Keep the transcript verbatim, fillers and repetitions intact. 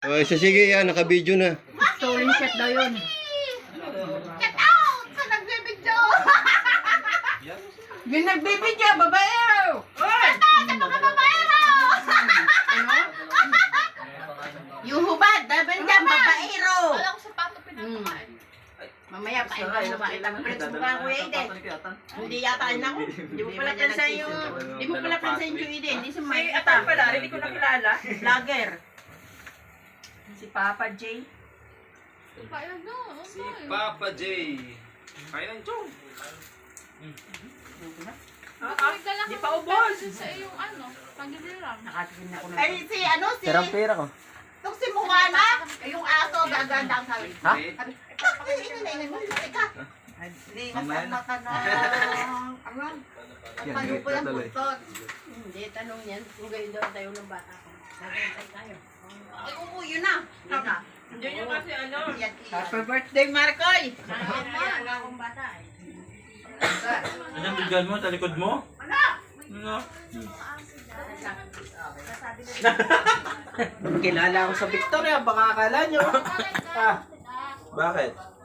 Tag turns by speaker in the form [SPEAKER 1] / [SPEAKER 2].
[SPEAKER 1] O, isa sige yan, naka-video na.
[SPEAKER 2] Stolen shot daw yun.
[SPEAKER 3] Get out! Sa nagbibidyo!
[SPEAKER 2] Yung nagbibidyo, babae!
[SPEAKER 3] Get out sa mga babaero!
[SPEAKER 2] Ano? Yung hubad, daban dyan, babaero!
[SPEAKER 3] Wala ko sapato pinapakain.
[SPEAKER 2] Mamaya, pain ka mo, makita mo pala sa mukha ko, Eden. Hindi yata rin ako. Hindi mo pala pansin yung... Hindi mo pala pansin yung Eden. Hindi si Mike.
[SPEAKER 4] Atan pala, hindi ko nakilala.
[SPEAKER 2] Vlogger.
[SPEAKER 4] Si Papa J.
[SPEAKER 3] Kaya na,
[SPEAKER 5] Si Papa J. Kaya ng chong.
[SPEAKER 4] Ah, di pa ubos.
[SPEAKER 3] sa iyong ano, pagbibilang.
[SPEAKER 2] Nakatikin ako ng...
[SPEAKER 6] Ay, si ano, si...
[SPEAKER 7] Tirang pera ko.
[SPEAKER 6] Itong si Moana, yung aso, gaganda ang sabi.
[SPEAKER 7] Ha?
[SPEAKER 6] Sabi, bakit ingin na ingin mo? Ika. Hindi, nasama ka na. Ano? Paano po yung putot?
[SPEAKER 2] Hindi, tanong yan. Kung gayon daw tayo ng bata ko. Nagantay tayo. Ay, oo, yun na. Yun na.
[SPEAKER 4] Yun yung kasi ano.
[SPEAKER 6] Yan,
[SPEAKER 2] Happy birthday, Marcoy! Nangyayayaga akong bata eh.
[SPEAKER 7] Anong bigyan mo? Sa likod mo? Ano? Ano?
[SPEAKER 8] Kilala ako sa Victoria, baka akala nyo. Ah, bakit?